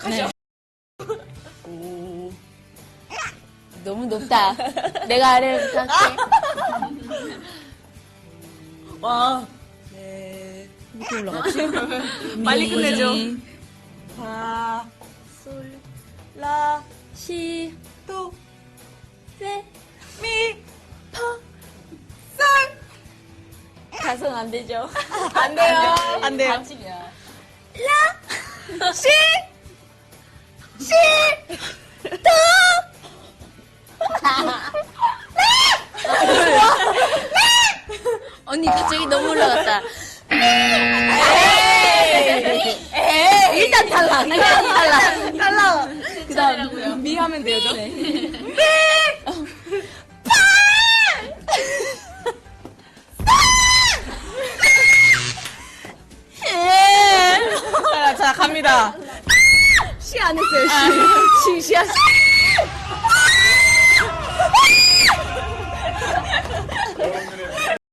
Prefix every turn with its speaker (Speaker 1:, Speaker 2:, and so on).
Speaker 1: 가죠.
Speaker 2: 오.
Speaker 3: 너무 높다. 내가 아래로 할게.
Speaker 2: 와. 네.
Speaker 3: 이렇게 올라갔지?
Speaker 2: 빨리 끝내죠. 파, 솔, 라,
Speaker 3: 시,
Speaker 2: 도,
Speaker 3: 세,
Speaker 2: 미,
Speaker 3: 퍼.
Speaker 2: 솔.
Speaker 3: 가성 안 되죠?
Speaker 2: 안 돼요. 안 돼요.
Speaker 1: 반칙이야.
Speaker 2: 시, 시,
Speaker 3: 언니 갑자기 너무 올라갔다. 일단 탈락. 일단 탈락.
Speaker 2: 달라.
Speaker 3: 그 다음 미 하면 되죠?
Speaker 2: 자, 갑니다.
Speaker 3: 시 안 했어요. 시. 시, 시.